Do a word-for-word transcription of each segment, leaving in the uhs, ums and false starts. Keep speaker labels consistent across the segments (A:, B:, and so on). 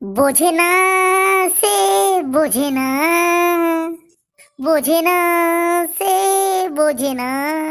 A: বোঝে না, সে বোঝে না, বোঝে না, সে বোঝে না।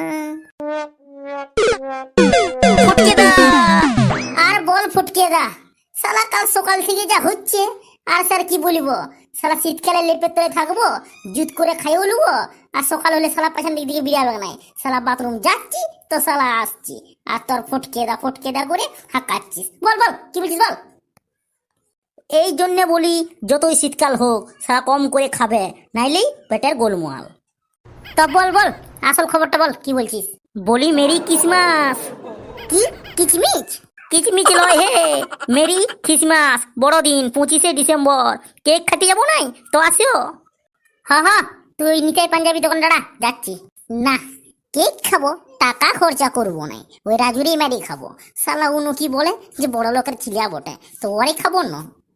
A: ফুটকেদা, আর বল ফুটকেদা, শালা কাল সকাল থেকে যা হচ্ছে আর স্যার কি বলবো। শালা শীতকালে লেপের তলে থাকবো, জুত করে খাইও লুবো, আর সকাল হলে শালা পেছন দিক দিকে বিড়াবে নাই। শালা বাথরুম যাচ্ছি তো শালা আসছি, আর তোর ফুটকেদা ফুটকেদা করে হাঁকাচ্ছিস। বল বল কি বলছিস বল। এই জন্যে বলি যতই শীতকাল হোক শালা কম করে খাবে, নাইলেই পেটের গোলমাল। তা বল বল আসল খবরটা বল, কি বলছিস। বলি মেরি ক্রিসমাস। কি কিচমিচ? কিচমিচ লয় হে, মেরি ক্রিসমাস, বড়দিন পঁচিশে ডিসেম্বর। কেক খাতে যাবো নাই তো আসিও। হ্যাঁ হ্যাঁ, তুই নিতাই পাঞ্জাবি দোকানদারা যাচ্ছি না। কেক খাবো, টাকা খরচা করবো নাই, ওই রাজুরি মেরি খাবো। শালা উনু কি বলে যে বড় লোকের ছিলিয়া বটে, তো ওরে খাবো না।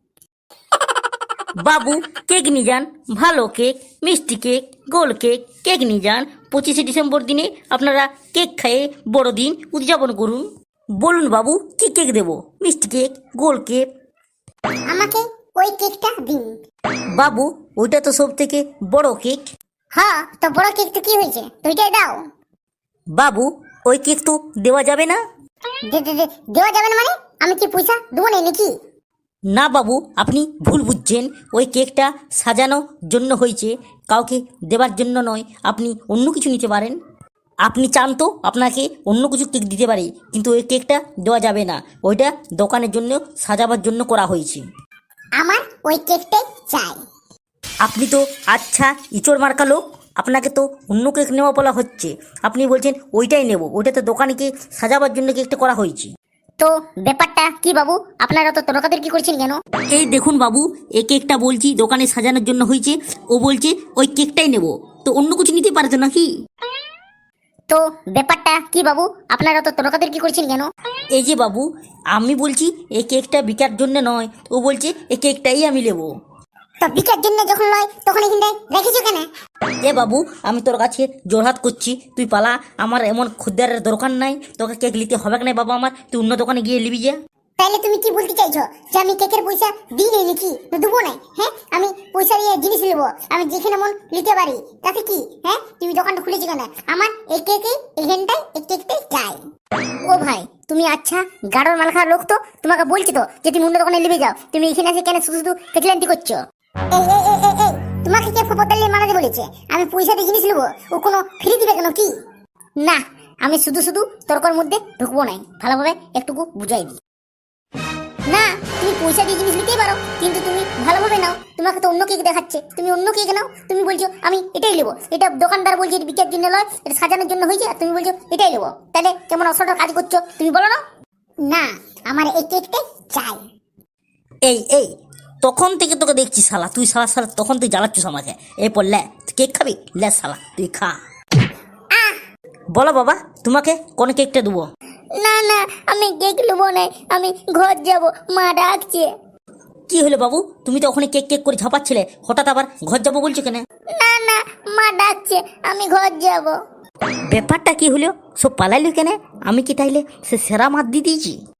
B: বাবু কেক নিয়ে যান, ভালো কেক, মিষ্টি কেক, গোল কেক, কেক নিয়ে যান। পঁচিশে ডিসেম্বর দিনে আপনারা কেক খেয়ে বড়দিন উদযাপন করুন। বলুন বাবু কি কেক দেবো, মিষ্টি কেক, গোল কেক?
A: আমাকে ওই কেকটা দিন।
B: বাবু ওইটা তো সব থেকে বড় কেক।
A: হ্যাঁ, তো বড় কেক তো কি হয়েছে, দুইটাই দাও।
B: বাবু ওই কেক তো দেওয়া যাবে না।
A: দে- দে- দে- দেওয়া যাবে না মানে? আমি কি পয়সা দেবো না নাকি?
B: না বাবু আপনি ভুল বুঝছেন, ওই কেকটা সাজানোর জন্য হয়েছে, কাউকে দেবার জন্য নয়। আপনি অন্য কিছু নিতে পারেন। আপনি চান তো আপনাকে অন্য কিছু কেক দিতে পারি, কিন্তু ওই কেকটা দেওয়া যাবে না। ওইটা দোকানের জন্য সাজাবার জন্য করা হয়েছে।
A: আমার ওই কেকটাই চাই।
B: আপনি তো আচ্ছা ইচড় মার্কা লোক, আপনাকে তো অন্য কেক নেওয়া বলা হচ্ছে, আপনি বলছেন ওইটাই নেব। ওইটা তো দোকানকে সাজাবার জন্য কেকটা করা হয়েছে।
A: তো ব্যাপারটা কি বাবু, আপনারা তো তর্কাতর্কি কি করছেন কেন?
B: এই দেখুন বাবু, এই কেকটা বলছি দোকানে সাজানোর জন্য হয়েছে, ও বলছে ওই কেকটাই নেব, তো অন্য কিছু নিতে পারে তো নাকি?
A: তো ব্যাপারটা কি বাবু, আপনারা তো তর্কাতর্কি কি করছেন কেন?
B: এই যে বাবু, আমি বলছি এই কেকটা বিকার জন্য নয়, ও বলছে এই কেকটাই আমি নেবো।
A: তো বিকার জন্য যখন নয় তখন এখানটায় রেখেছো কেন?
B: এ বাবু আমি তোর কাছে জোরহাত করছি, তুই পালা। আমার এমন খদ্দেরের দরকার নাই, তোকে কেক নিতে হবে না বাবা আমার, তুই অন্য দোকানে গিয়ে নিবি যা।
A: তাইলে তুমি কি বলতে চাইছো যে আমি কেকের পয়সা দিই নাই নাকি, তো দেবো নাই? হ্যাঁ, আমি পয়সা দিয়ে জিনিস নেবো, আমি যেখানে মন নিতে পারি, তাতে কি? হ্যাঁ, তুমি দোকানটা খুলেছো কেন? আমার এই কেকে এখানটাই এই কেকটাই চাই। ও ভাই, তুমি আচ্ছা গাড়োর মাল খাওয়ার লোক তো, তোমাকে বলছি তো যে তুমি অন্য দোকানে নিবে যাও, তুমি এখানে এসে কেন শুধু শুধু কেকলান্তি করছো? এই এই এই এই এই তোমাকে কে ফপতাল্লি মানাতে বলেছে? আমি পয়সা দিয়ে জিনিস নেবো, ও কোনো ফ্রি দিবে কেন কি? না, আমি শুধু শুধু তর্কর মধ্যে ঢুকবো নাই, ভালোভাবে একটুকু বুঝাই দিই। না, তুমি পয়সা দিয়ে জিনিস নিতেই পারো, কিন্তু তুমি ভালোভাবে নাও। তোমাকে তো অন্য কেক দেখাচ্ছে, তুমি অন্য কেক নাও। তুমি বলছো আমি এটাই নেবো, এটা দোকানদার বলছে এটা বিকের জন্য নয়, এটা সাজানোর জন্য হয়েছে, আর তুমি বলছো এটাই নেবো। তাহলে কেমন অসলটা কাজ করছো তুমি বলো না? না, আমার এই কেকটাই চাই।
B: এই এই তখন থেকে তোকে দেখছি শালা, তুই শালা শালা তখন তুই জ্বালাচ্ছিস আমাকে। এই পর লে, তুই কেক খাবি, লে শালা তুই খা। বলো বাবা তোমাকে কোন কেকটা দেবো?
A: না না, আমি কেক নেবো না, আমি ঘর যাব, মা ডাকছে।
B: কি হলো বাবু, তুমি তো ওখানে কেক কেক করে ঝাপাচ্ছিলে, হঠাৎ আবার ঘর যাবো বলছো কেন?
A: না না, মা ডাকছে, আমি ঘর যাব।
B: ব্যাপারটা কি হলো, সব পালাইলো কেন? আমি কি তাইলে সে সেরা মাত দিয়ে দিয়েছি?